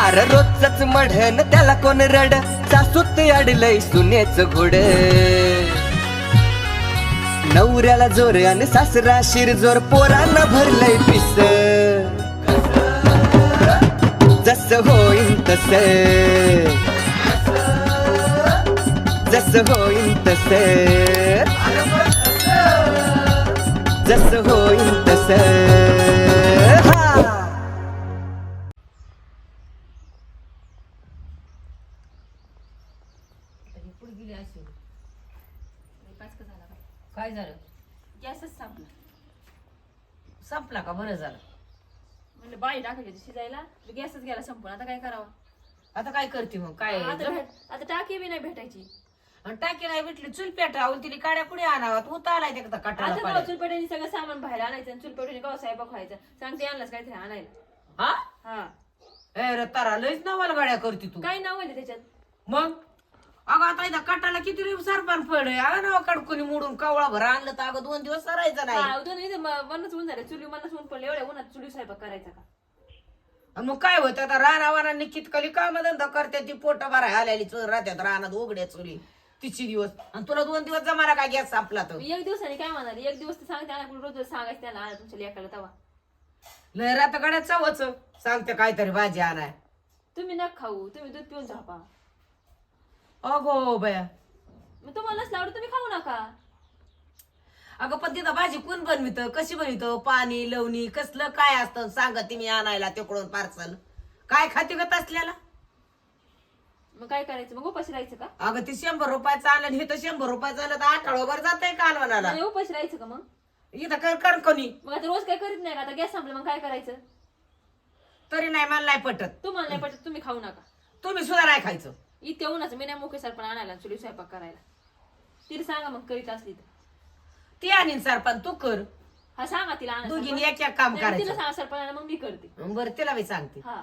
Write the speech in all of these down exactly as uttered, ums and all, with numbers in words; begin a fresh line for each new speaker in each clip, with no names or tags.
अरे रोजच मढन त्याला कोण रड सासूत अडलय सुनेच घोड नवऱ्याला जोर आणि सासरा शिरजोर पोरांना भरलंय पिस जस होईन तस जस होईन तस जस होईन तस
काय झालं?
गॅसच संपला.
संपला का? बरं झालं.
म्हणजे बाई टाकायची शिजायला गॅसच गेला संपून. आता काय करावं?
आता काय करते मग? काय
आता भेट- आता टाकी बी नाही भेटायची.
आणि टाकी नाही भेटली चूल पेटावून तिने काड्या कुणी आणावात उता आलाय ते कटाला
आता
पाड्या.
चुलपेटाने सगळं सामान बाहेर आणायचं आणि चुलपेटाने गाव साहेब खायचं सांगते आणलंच काहीतरी आणायला.
हा
हा
ए रे तारा लयच नावाला गाड्या करते तू.
काय नाव आहे त्याच्यात?
मग अगं आता इथं कटाला किती रे सरपान पडे अगं नाव कडकुनी मोडून कावळा भर आणलं तर अगं दोन दिवस सरायचं नाही.
हा, दोन इथे म- मनच ऊन झालं चुली मनच ऊन पडलं एवढ्या उन्हात चुली स्वयंपाक करायचा का?
आणि मग काय होतं आता रानावानांनी कितकली काम धंदा करते ती पोट भराय आलेली चोर राहत्यात रानात उघड्या चुली तिची दिवस आणि तुला दोन दिवस जमाना काय गॅस संपला तर
एक दिवसाने काय म्हणाली एक दिवस तर सांगते आणा रोज रोज सांगायचं त्याला आणा तुमच्या लेकाला तवा.
लय रात गाड्यात चावच सांगते काहीतरी भाजी आणाय.
तुम्ही न खाऊ तुम्ही दूध पिऊन झोपा.
अगो बया
मग तुम्हाला नसलं आवडत तुम्ही खाऊ नका.
अगं पण तिथं भाजी कोण बनवित कशी बनवित पाणी लवणी कसलं काय असतं सांगा तुम्ही आणायला तिकडून पार्सल काय खाते ग तसल्याला.
मग काय करायचं मग उपाशी राहायचं का?
अगं ते शंभर रुपयाचं आलं आणि हे तर शंभर रुपयाचं आलं तर आठवडाभर जातंय कालवणाला.
नाही, उपाशी राहायचं का मग?
इथं कर कर कोणी
मग आता रोज काय करीत नाही का? आता गॅस संपला मग काय करायचं?
तरी नाही मला नाही पटत.
तुम्हाला नाही पटत तुम्ही खाऊ नका.
तुम्ही सुद्धा नाही खायचं.
इतक्या उन्हाचं मी नाही मोके सरपण आणायला चुली स्वयंपाक करायला. तिला सांगा मग करीत असली तर.
ती आणीन सरपण तू कर
हा सांगा तिला आणा
दोघींनी
सरपण.
एक एक काम
नाही, तिला
करायचं.
सांगा सरपण आणा, मग मी करते.
बरं तिला मी सांगते
हा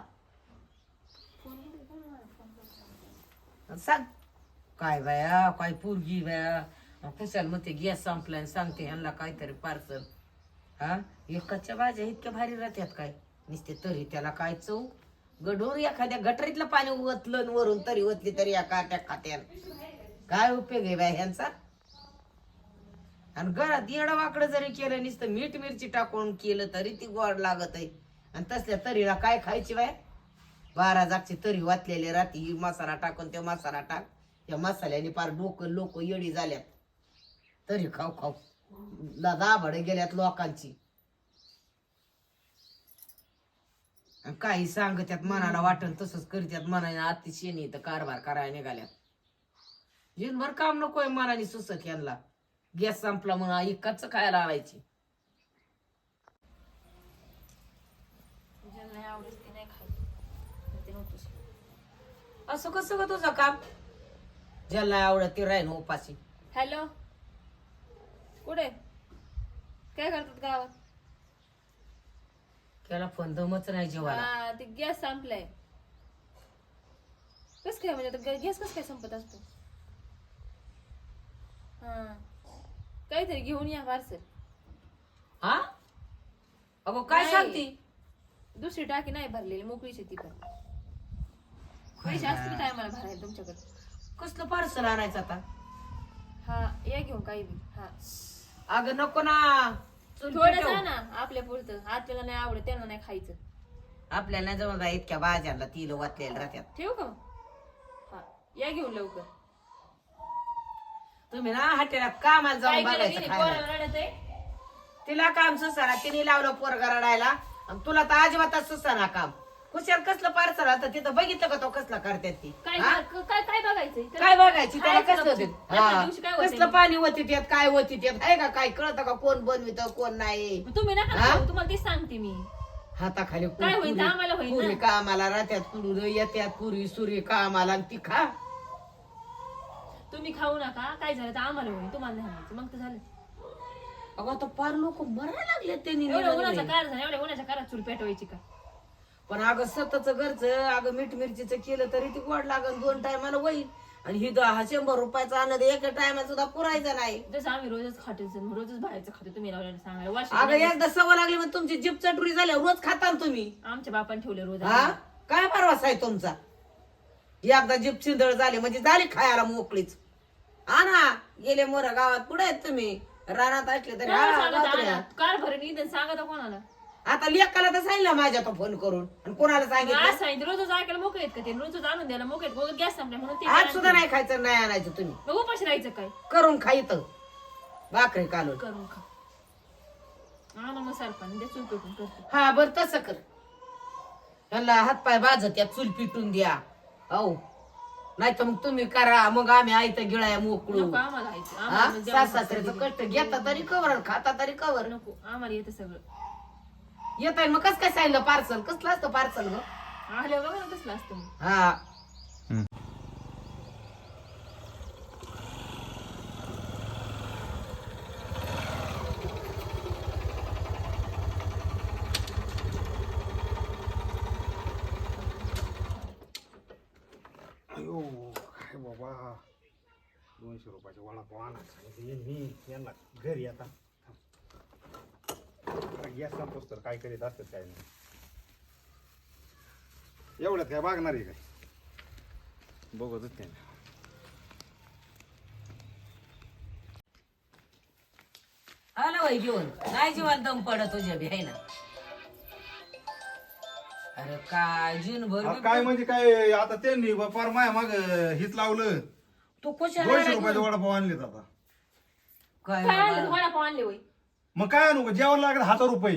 सांग काय बाया काय पोरगी बाया कुशाल मग ते गॅस संपलाय सांगते ह्यांना काहीतरी पार्सल. हा एकाच्या भाज्या इतक्या भारी राहत्यात काय नुसते तरी त्याला काय चव गढूर एखाद्या गटरीतलं पाणी ओतलं आणि वरून तरी ओतली तरी या काट्या खात्यान काय उपयोग आहे बाय ह्यांचा. आणि घरात येडं वाकडं जरी केलं नुसतं मीठ मिरची टाकून केलं तरी ती गोड लागत आहे. आणि तसल्या तरीला काय खायची बाय बारा जागची तरी वाचलेले राती मसाला टाकून ते मसाला टाक या मसाल्याने पार डोकं लोक येडी झाल्यात तरी खाऊ खाऊ दाभाडे गेल्यात लोकांची. काही सांगत्यात मनाला वाटण तसंच करत्यात मनाने आत्ती शेणी तर कारभार करायला निघाल्यात. जिनभर काम नकोय मनाने सुसत यांना गॅस संपला म्हणून इकाच खायला आणायची.
ज्याला नाही आवडत ते नाही खायचं ते नव्हतंच.
असं कसं ग तुझं काम ज्याला आवडत ते राहीन उपाशी.
हॅलो कुठे काय करतात गावात?
त्याला फोन दमच नाही जेवायला.
हा ते गॅस संपलाय. कस काय म्हणजे आता गॅस कस काय संपत असतो? हा काहीतरी घेऊन या पार्सल.
हा अगो काय
नाही.
सांगती?
दुसरी टाकी नाही भरलेली मोकळीच आहे ती पण. पैसे असतील टायमाला भरायला तुमच्याकडे.
कसलं पार्सल आणायचं आता?
हा या घेऊन काही बी. हा
अगं नको ना चूल
थोडं
पेटव.
जा ना आपल्या पुरतं. आपल्याला नाही आवडत त्यांना नाही खायचं.
आपल्याला नाही जवळ इतक्या भाज्यांना तिल वाचलेल्या राहत्यात.
ठेवू का मग? हा या घेऊन लवकर.
तुम्ही ना हॉटेलात कामाला
काय
जाऊन
केलं
बघायचं
की
खायला.
पोराला रडत आहे?
तिला काम सुसाना तिने लावलं पोरगा रडायला आणि तुला तर अजिबातच सुसाना काम. कुशाल कसलं पार्सल आता तिथं बघितलं का तो कसला करतात ती
काय
हा?
काय काय बघायचंय?
काय बघायची त्याला
खायचं
कसलं
नको.
ते?
एका
हा.
दिवशी काय होतंय
कसलं
मग?
पाणी होती त्यात काय होती त्यात आहे का काय कळतं का कोण बनवित कोण नाही.
मग तुम्ही नका
हा?
खाऊ, तुम्हाला तेच सांगते मी.
हाताखाली
काय होईल तर आम्हाला होईल ना.
पुरी कामाला राहत्यात कुडून येत्यात पुरी सुरी कामाला आणि ती खा.
तुम्ही खाऊ नका काय झालं तर आम्हाला होईल तुम्हाला नाही व्हायचं. मग तर झालं.
अगं आता फार लोक मरायला लागले त्यांनी
एवढ्या उन्हाचा
निराळे.
कार झाला एवढ्या उन्हाच्या कारात चूल पेटवायची का?
पण अगं सतच घरचं अगं मीठ मिरचीचं केलं तरी ती गोड लागल दोन टायमाला होईल. आणि ही दहा शंभर रुपयाचा आणलं तर एका टायमाला सुद्धा पुरायचं नाही.
जसं आम्ही रोजच खातो रोजच बाहेरचं खातो तुम्ही लावल्याला सांगायला
अगं
वाशी
एकदा सवय लागली मग तुमची जीप चटुरी झाल्या रोज खाता ना तुम्ही.
आमच्या बापाने ठेवले रोज
हा काय परवास आहे तुमचा? एकदा जीप चिंदळ झाली म्हणजे झाली खायला मोकळीच. आणा गेले मोर गावात कुठे आहेत तुम्ही? रानात असले तरी
कोणाला
हा,
सांगत
गावात
आणा? कार भरून इथं सांगा तर कोणाला?
आता लेकाला तर सांगितलं माझ्या तो फोन करून आणि कोणाला
मग
सांगितलं?
आज सांगितलं रोजच ऐकायला मोकळे आहेत का ते? रोजच आणून द्यायला मोकळे आहेत. मग गॅस संपला म्हणून ते
आज सुद्धा नाही खायचं नाही आणायचं तुम्ही.
मग उपाशी राहायचं काय?
करून खाईत भाकरी कालून.
करून खा. आणा मग सरपण द्या चूल पेटून करतो.
हा बर तसं कर. त्यांना हातपाय बाजत या चूल पिटून द्या. हो नाही तर मग तुम्ही करा. मग आम्ही आयतं गिळाया मोकळू.
नको आम्हाला खायचं.
हा
आम्हाला जेवण
सासऱ्याचं कष्ट घेता तरी कवर खाता तरी कवर.
नको आम्हाला येतं सगळं.
येत आहे मग कस काय सांगितलं पार्सल? कसलं असतं पार्सल ग?
आल्यावर बघा ना कसलं असतं मग.
हा
अयो काय बाबा दोनशे रुपयाचा वडापाव आणायला सांगितले मी यांना घरी आता गॅस संपोस तर काय करीत असतात काय नाही एवढ्यात काय मागणार आहे काय बघतच नाही.
आलं वय घेऊन नाही जीवन दम पडत तुझ्या बी आहे ना. अरे काय जून भर
अहो, काय म्हणजे काय आता त्यांनी बापार माया माग हित लावलं
तू कशाला
दोनशे
आला
रुपयाचे
घेऊन?
वडापाव आणलेत आता.
काय
काय आणलं?
बाबा?
वडापाव आणले होय.
मग काय आणू जेवण लागत हजार रुपये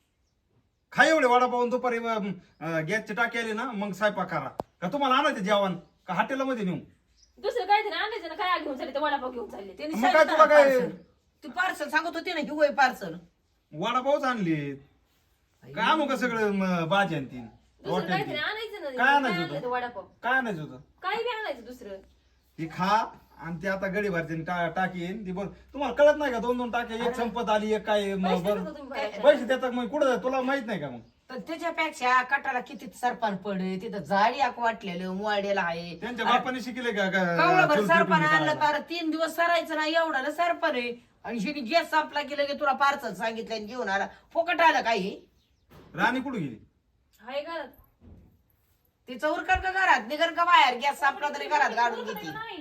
खाय एवढे वडापाव आणि दुपारी अं, गॅसची टाकी आली ना मग स्वयंपाक करा का तुम्हाला आणायचं जेवण का हॉटेलमध्ये नेऊ?
दुसरं काहीतरी आणायचं ना. काय घेऊन चालले ते वडापाव घेऊन चालले.
त्यांनी
मग काय
सांगितलं
तुला
ना
काय-
parcel. तू पार्सल सांगत होती ना हिवय पार्सल.
वडापावच आणलेत काय आणू का सगळं म, भाजी आणि तीन
दुसरं
रोट्या आणि
काहीतरी
तीन?
आणायचं ना.
काय आणायचं
काय
होतं?
आणलं ते वडापाव?
काय आणायचं होतं?
काही बी आणायचं दुसरं.
ती खा आणि ती आता गडी भरते टा- टाकी येईन ती बघ तुम्हाला कळत नाही का दोन दोन टाक्या एक संपत आली एक काय म,
पैसे
बरं.
देता तुम्ही भरायला.
पैसे देतात मग कुठं तुला माहित नाही का मग
तर त्याच्यापेक्षा कटाला किती सरपान पडे तिथं झाडी आक वाटलेलं मोवाडेला आहे.
त्यांच्या बापाने शिकले का
कवळभर
चूल
सरपण
पेटून
आणलं
करायला?
तर तीन दिवस सरायचं नाही एवढा सरपण आहे. आणि शेवटी गॅस संपला की लगे तुला पार्सल सांगितलं आणि घेऊन आला. फुकट आलं काही
राणी कुठे गेली?
हाय घरात.
तिचं उरकन का घरात निघन का बाहेर? गॅस संपला तरी घरात गाडून घेते.
नाही.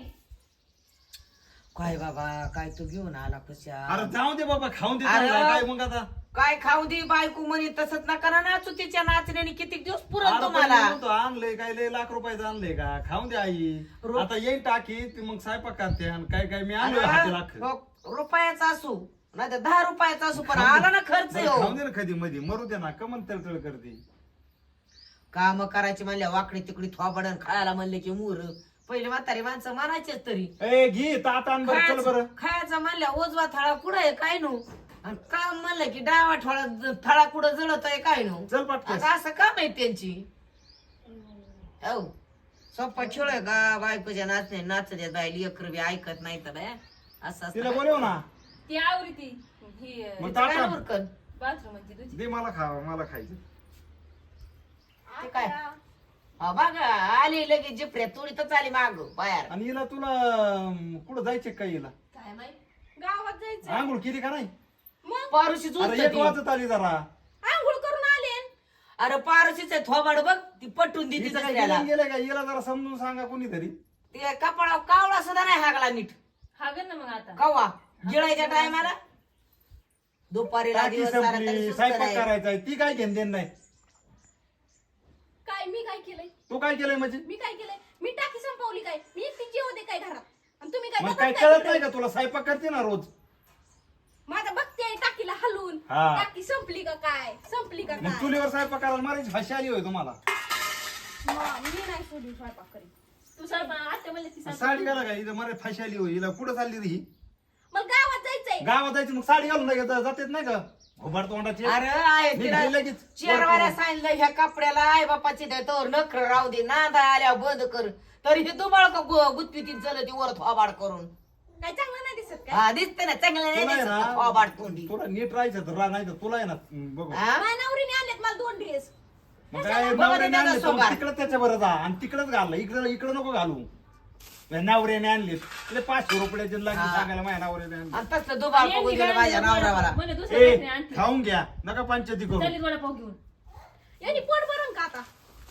काय बाबा काय तू घेऊन आला कशा?
अरे जाऊ दे बाबा खाऊन दे
अरे.
चांगलं. काय मग आता
काय खाऊ दे बायको म्हणे तसंच नका ना नाचू तिच्या नाचण्याने किती दिवस पुरत
अरे पण
तुम्हाला.
मी म्हणतो, आणलंय काय लय लाख रुपयाचं आणलंय का खाऊन दे आई
रो-
आता येईन टाकी ती मग स्वयंपाक करते आणि काय काय मी आणलं
अरे,
हाती लाख
रो- रुपयाचा असू नाही तर दहा रुपयाचा असू पण आला ना खर्च
बरं,
हो.
खाऊन दे ना कधी मध्ये मरू दे ना कमन तळतळ करते.
काम करायची म्हणल्या वाकडी तिकडी थोबडन खायला म्हणले की मूर पहिले म्हातारी माणसं मानायचेच तरी.
ए घे तात आण बरं चल बरं.
खायचं खायचं म्हणल्या ओजवा थळा कुठं आहे काय नो आणि काम म्हणलं की डावा थोडा थळा कुठं जळत आहे काय नो.
चल पटकन.
आता असं काम आहे त्यांची. हो सोप्पा खेळ आहे का बायकोच्या नाचणे नाचण्यात बायली अकर बी ऐकत नाही तर बाया असं
तिला
असतं.
बोलव ना
ती आवरी ती ही
मग
तिचं काय
ताटा
उरकन?
बाथरूम मध्ये तुझी.
दे मला खा मला खायचं.
ते काय हा बघा आली लगेच जिपऱ्या तुडीतच आली माग बाहेर.
आणि हिला तुला अं, कुठं जायचे काय हिला
काय माहित गावात जायचं.
आंघोळ केली का नाही?
मग
पारुशी
अरे एक वाजत आली जरा
आंघोळ करून आले.
अरे पारुशीच आहे थोबाड बघ ती पटून देते
हिचं काय
दुसऱ्याला.
गेलं गेलं का हिला जरा समजून सांगा कोणीतरी.
ते कपाळा कावळा सुद्धा नाही हागला नीट
हा ग ना मग आता.
कवा गिळायच्या टायमाला दुपारीला
टाकी
दिवस सारा
संपली
तरी सुस्त
स्वयंपाक
नाही.
करायचा ती काय घेण देण नाही.
काय मी काय केलंय?
तू काय केलंय म्हणजे
मी काय केलंय? मी टाकी संपवली काय? मी एकटी जेव दे काय घरात? आणि तुम्ही काय
मग
दोघं
काय
काय
कळत
करताय?
नाही का तुला स्वयंपाक करते ना रोज.
माझा बघते आहे टाकीला हलवून.
हा.
टाकी संपली का काय? संपली का
मग
काय?
चुलीवर स्वयंपाक करायला मारायची भाषा आली होय तुम्हाला.
मग मी नाही सोडून स्वयंपाक करीत. तू स्वयंपाक आत्या म्हणले ती स्वयंपाक
साडी घाला का इथं मारे फाशी आली होय हिला कुठं चालली रे ही?
मला गावात जायचंय.
गावात जायची मग साडी घालून नाही का जातेत नाही का घोबाड तोंडाची.
अरे आहे
नीट
तिला
घे लगेच.
चेरवाऱ्या सांगितलं ह्या कपड्याला आई बापाची तर नखर राहू दे नांदा आल्या बंद कर तरी हे दुबाळ का गुत्तीतीन चलती वर थोबाड करून.
काय चांगलं नाही दिसत काय?
हा दिसते ना चांगलं नाही
तुला आहे
दिसत
ना,
थोबाड तोंडी.
तुला नीट राहायचं तर राह नाही तर तुला आहे ना बघू
हा?
माझ्या नवरीने आणलेत मला दोन ड्रेस.
मग काय
बघा
नवऱ्याने
त्याचा
आणले
सोबार.
तिकडे त्याच्या बरं जा आणि तिकडेच घाललं इकडे इकडे नको घालू. नवऱ्याने आणले तुला पाचशे रुपयाचे लागले
हा.
सांगायला माझ्या नवऱ्याने आणले.
आणि तसलं दुबाळ बघू दिलं माझ्या नवऱ्याला.
मला दुसरं
ए
काहीतरी आणते.
खाऊन घ्या नका पंचायती करू.
चालेल वडापाव घेऊन. यांनी पोट भरून का आता?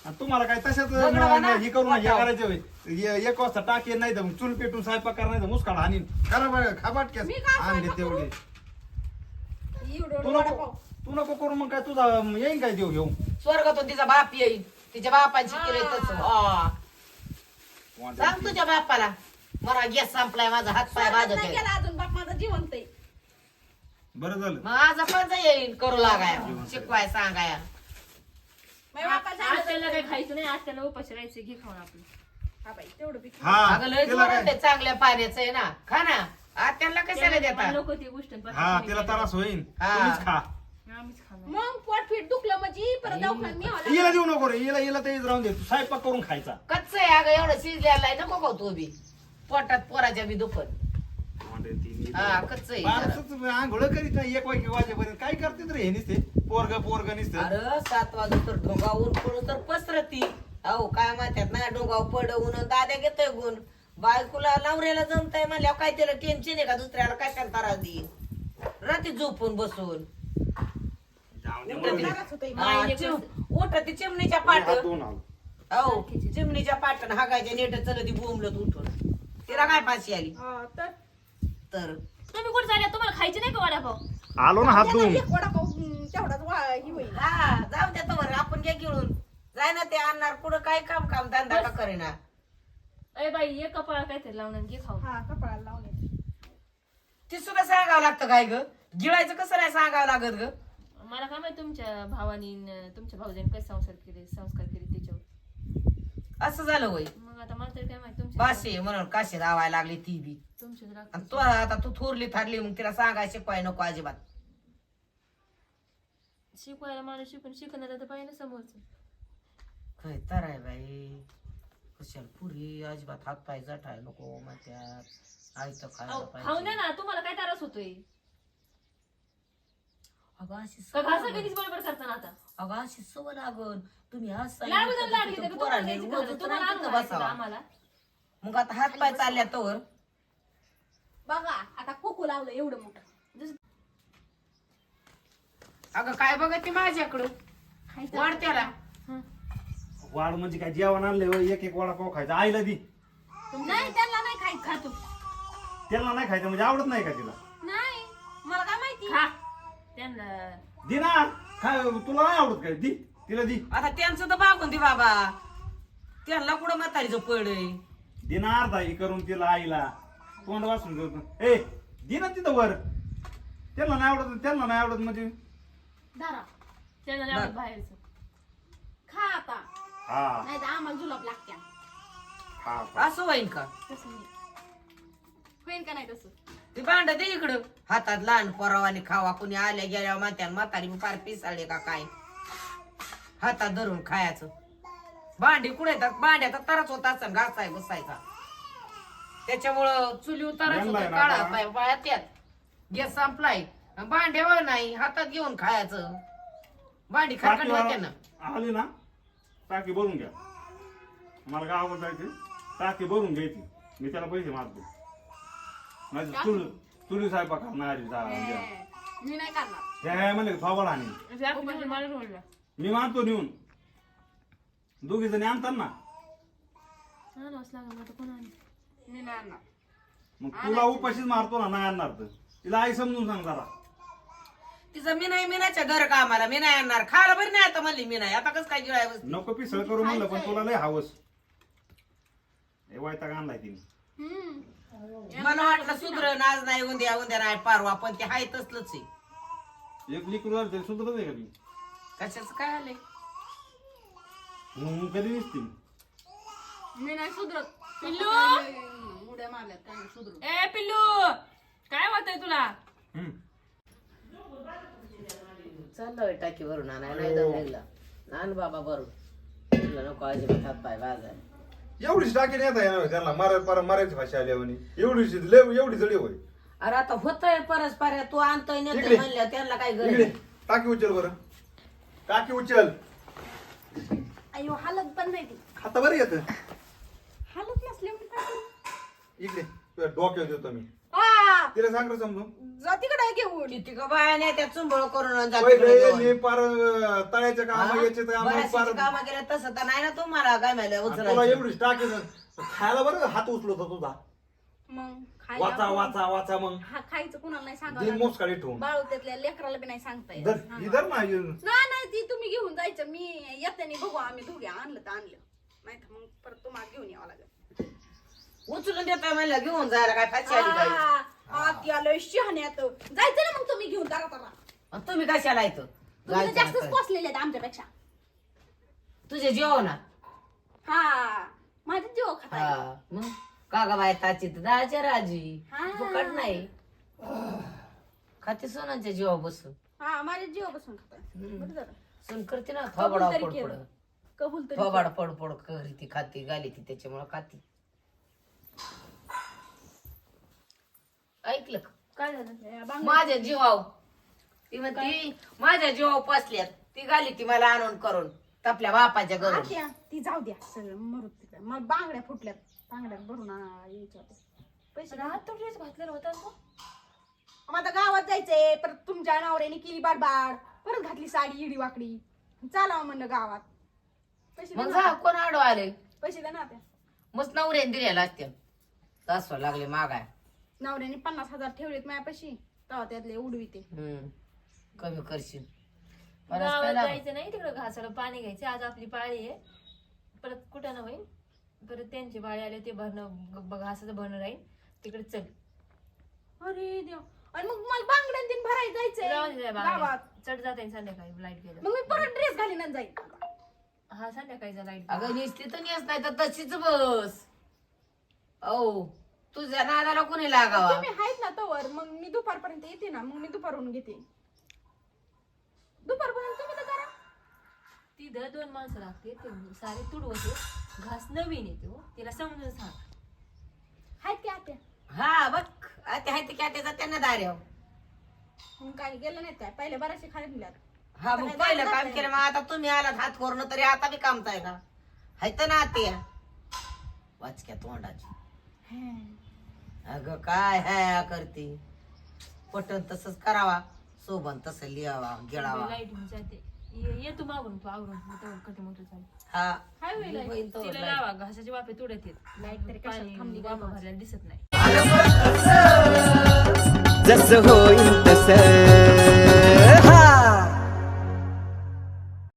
आणि तुम्हाला काय तशाच
दगड म्हणा,
हे करून हे
वाटावं.
करायचे होय. ए- एक वाजता टाके नाही तर मग चूल पेटून स्वयंपाक करा नाही तर मुसकाड आणि करा बघा खाबाट कॅस
मी काय
आणले
स्वयंपाक
तेवढे
एवढं
तू
एवढं
नको
वडापाव.
तू नको करू मग काय तुझा येईन काय देऊ घेऊ
स्वर्गातून तिचा बाप येईल तिच्या बापाची केलंय तसं हा. सांग तुझ्या बापाला मला गॅस संपलाय माझा हात पाय
स्वयंपाक
भाजत
नाही
आहे.
केला अजून बाप माझा जिवंत आहे.
बरं झालं
मग आज आपण येईल करू लागाया शिकवाय सांगाया
माझ्या बापाचं झालं
आत्याला
तर-
काही खायचं नाही आत्याला उपाशी राहायचं घे खाऊन आपलं
हा बाई, तेवढं बी खा.
हा
अगं लय
तिला
जोरात
काय
आहे, चांगल्या पाण्याचं आहे ना खा ना आत्याला कशाला देतात
लोक ती गोष्ट
हा तिला त्रास होईल
हा.
तुम्हीच खा
आम्हीच खाणार
मग पोट फीट दुखलं म्हणजे परत दवाखान्यात न्यावं लागलं.
हिला देऊ नको रे हिला हिला तेच राहून दे तू स्वयंपाक करून खायचा
कच्च आहे अगं एवढं शिजलेलं आहे नको का तू बी पोटात पोराच्या बी दुखत हा कच्च आहे जरा.
बारसंच आंघोळ करीत नाही एक वाजे वाजेपर्यंत काय करते रे हे नुसते पोरग पोरग नुसतं
अरे सात वाजता तर ढोंगावून पडून तर पसरती अहो काय म्हणतात ना डोंगाव पडवून दाद्या घेतोय गुण बायकोला नवऱ्याला जमताय म्हणल्यावर काय त्याला टेन्शन आहे का दुसऱ्याला काय करता राहती रात्री झोपून बसून
जाऊ दे
उठती.
मरू दे.
त्रास होतोय.
हा, चिम- उठती चिमणीच्या पाठ
हात धुवून आलो.
अहो चिमणीच्या पाटण हागायच्या नेट चलती बोंबलत उठून तिला काय फाशी आली
हा, तर
तर
तुम्ही कुठे चालल्या तुम्हाला खायचे नाही का वडापाव
आलो ना हात
त्याचा
धुवून
एक वडापाव हम्म, तेवढाच वा- ही होईल.
हा जाऊ द्या तर आपण घ्या गिळून जाय ना ते आणणार पुढं काय काम काम धंदा का करेना
अरे बाई एक कपाळ काहीतरी लावून आणि घे खाऊन
हा कपाळाला लावले.
ती सुद्धा सांगावं लागतं काय ग गिळायचं कसं नाही सांगावं लागत ग
मला काय माहिती तुमच्या भावानी न तुमच्या भाऊजाने कसे संसार केले संस्कार केले त्याच्यावर
असं झालं होय
मग आता मला तरी काय माहिती तुमच्या
बाशी म्हणून काशी लावायला लागली ती बी
तुमच्या राग-
आणि तू आता तू थोरली थारली मग तिला सांगाय शिकवाय नको अजिबात
शिकवायला माणूस शिकून शिकणार तर पाहिजे ना समोरचं
काय तर आहे बाई कशाला पुरी अजिबात हात पाय जठाय नको म्हणत्यात आई तर खायला
अहो, खाऊन
पाहिजे
द्या ना तुम्हाला काय त्रास होतोय
अगं अशी
का
सवय
घासा
लागल.
कधीच बरोबर करता ना आता
अगं अशी सवय लागल तुम्ही आज
लाडू द्या, लाडू
सांगितलं
द्या,
तर
तुम्हाला
पोरांनी
द्यायची
रोजच
गरज, तुम्हाला
नाही
आणून
तिथं
घालायचं का
बसावं.
आम्हाला
मग आता हात पाय चालल्या तोवर
बघा आता कोको लावलं एवढं मोठं.
जसं
अगं काय बघत ती माझ्याकडं
खायचं
वाढ त्याला
हं.
वाढ म्हणजे काय जेवण आणले होय, एक एक वडापाव खायचा आईला दी
नाही त्यांना नाही खायचं.
खातो
त्याला नाही खायचं म्हणजे आवडत नाही का तिला
नाही मला काय माहिती.
खा त्यांना
दे ना काय तुला नाही आवडत काय दी तिला दी
आता त्यांचं तर बागून दे बाबा त्यांना कुठं म्हातारीचं पड
दे ना अर्धा हे करून तिला आईला तोंड वाचून करतो ए दे ना तिथं वर त्यांना नाही आवडत त्यांना नाही आवडत म्हणजे
धरा
त्यांना नाही आवडत बाहेरचं
खा आता
हा
नाही तर आम्हाला जुलाब लागत्या.
हा हा.
असं होईन का
तसं नाही
होईल का नाही तसं.
ते भांड दे इकडं हातात लहान पोरावानी खावा कुणी आल्या गेल्या मात्यान म्हातारी फार पिसाळले का काय हातात धरून खायचं भांडी कुठे येतात भांड्याचा तरच होता असं घासाय बसायचा त्याच्यामुळं चुली उतारच
जमलाय
होतं
ना
काढा
आता?
पाय पायात यात गॅस संपलाय भांड्यावर नाही हातात घेऊन खायचं भांडी खरकट होते ना
टाकी आली ना टाकी भरून घ्या मला गावावर जायचे टाकी भरून घ्यायची मी त्याला पैसे मारतो माझी चुल चुली स्वयंपाक करणार
मी नाही करणार.
हे म्हणले थोबाड आणि
मला रोडला
मी मारतो नेऊन दोघी जणी आणतात ना
आणावंच लागलं आता कोण आणलं?
मी नाही आणणार.
मग तुला उपाशीच मारतो ना नाही आणणार तर तिला आई समजून सांग जरा
तिचं मी नाही मिनाच्या घर कामाला मी नाही आणणार खायला बरी नाही आता म्हणली मी नाही आता कसं काय गिळाय बसली
नको पिसळ करू म्हणलं पण तुला लय हावस हे वैताग आणलाय तिने
हम्म.
मला वाटलं सुधरण आज नाही उद्या उद्या नाही पारवा पण ते हाय तसलंच आहे
एक लिकूर झालं तरी सुधरत आहे का ती
कशाच काय आलंय
मग कधी दिसते
मी नाही सुधरत.
पिल्लू!
हम्म, उड्या मारल्यात काय नाही सुधरत.
ए पिल्लू काय होतंय तुला
चाललं टाकी भरून आणाय नाही दमलेला आण बाबा भरून तुला नको अजिबात हात पाय वाजाय
एवढीच टाकी नेता येणार त्यांना मारा पारा मारायची भाषा आली म्हणे एवढीच लय एवढी जडी होय
अरे आता होतंय परस्पर तू आणतोय
इकडे.
नेतोय म्हणल्या त्यांना काय गरज
इकडे
आहे?
टाकी उचल बरं टाकी उचल
अयो हालत पण नाही ती.
खाता बरं येत
हालत नसल्यामुळे काय करू?
इकडे तुझ्या डोक्यावर देतो मी
हा
तिला सांग रे समजून.
जा तिकडे घेऊन.
किती का बायाने त्या चुंबळ करून आणि जाती
पहिले
घेऊन.
मी पार अं, तळ्याच्या काम
हा?
याचे काम
बऱ्याचशी
पार
कामं केल्या तसं तर नाही ना तुम्हाला काय माहिती
तुला
उचलायचं.
एवढीच टाकी खायला बरं हात उचलत होता तुझा.
मग
वाचा
खायला
वाचा वाचा मग
हा खायचं कुणाला नाही
दिन
सांगा
मोसकाळी ठेवून
बाळू त्यातल्या लेकराला बी नाही सांगता येत.
धर
हा.
इधर ना
नाही नाही ती तुम्ही घेऊन जायचं. मी येताना बघू आम्ही दोघे आणलं तर आणलं नाही तर मग परत तुम्हाला घेऊन यावं लागेल.
उचलून देतोय म्हणलं घेऊन जायला काय फाशी आली काय.
हा, हा, ती आलोय शहाण्यात. जायचं ना मग तुम्ही घेऊन तारा तारा.
आणि तुम्ही कशाला येतो
तुम्ही तर जास्तच पोचलेले आहेत आमच्यापेक्षा.
तुझे जेव ना.
हा माझे जीव खाता.
हा मग कागा बाय ताची तर दहाच्या राजी
हा.
फुकट नाही खाते सोनांच्या जीवा बसून.
हा माझे जीव बसून खाता. बरं झालं.
सून करते ना
कबूल
थोबाडा
तरी
पडपड
केलं. कबूल तरी
थोबाड पडपड करी ती खाती गाली ती त्याच्यामुळे खाती. ऐकलं का?
काय झालं या बांगड्या-
माझ्या जीवाव ती म्हणती माझ्या जीवाव पसल्यात ती गाली ती मला आणून करून आपल्या बापाच्या घरून.
आत्या, ती जाऊ द्या सगळं मरू तिकडे. मला बांगड्या फुटल्यात. बांगड्या भरून आ- यायच्या होत्या. पैसे
हात तो ड्रेस घातलेला होता ना तो?
मग आता गावात जायचंय. परत तुमच्या नवऱ्याने केली बाडबाड. परत घातली साडी इडी वाकडी. चालावं म्हणलं गावात. पैसे
मग
द्या
जा
ना.
कोण आडो आले
पैसे द्या ना त्या
मस्त नवऱ्याने दिलेला असते तासवा लागले मागाय.
नवऱ्याने पन्नास हजार ठेवलेत माझ्यापाशी. तेव्हा त्यातले उडवीते.
हम्म कमी करशील. मला
गावात
काय लागलं?
जायचं नाही तिकडं घासाला पाणी घ्यायचं. आज आपली पाळी आहे. परत कुठं ना होईल. परत त्यांची पाळी आली ते भरणं ग- घासाचं भरणं राहील तिकडे चल.
अरे देव. आणि मग मला बांगड्यान तीन भरायला
जाऊ दे
जायचंय
त्या
गावात.
बागेत. चढ जाता येईल संध्याकाळी लाईट गेलं.
मग मी परत ड्रेस घालीन आणि जाईन.
हा संध्याकाळीचा लाईट
अगं निसती तर नेस नाही तर तशीच बस. ओ तुझ्या नादाला कोणी लागावा.
तुम्ही आहेत ना तवर. मग मी दुपारपर्यंत येते ना. मग मी दुपारून घेते. दुपारपर्यंत तुम्ही तर करा.
तिथं दोन माणसं लागते ते सारे तुडवते. घास नवीन येते हो. तिला समजून सांग.
आहेत की आत्या.
हा बघ आता हाय ते काय त्याचा त्यांना दार्याव.
मग काय गेलं नाही काय पहिले बऱ्याचशे खाली दिल्यात.
हा मग पहिलं काम केलं मग आता तुम्ही आलात हात करून तरी आता बी कामताय का हायत ना ते वाचक्या तोंडाची. अगं काय हाय करते पटन तसंच करावा सोबन तसं लिहावा गिळावा.
लाईट होऊन जाते. ये ये तू मागून तू आवरून मग तेव्हा कधी मोठं चालेल.
हा
हाय होईल light.
होईल तो
तिला
लाईट.
लावा घासाचे वाफे तुडत येत.
लाईट तरी कशाला
पाणी
थांबली
वाफा
गावात.
भरलेला दिसत नाही.
जसं होईल तसं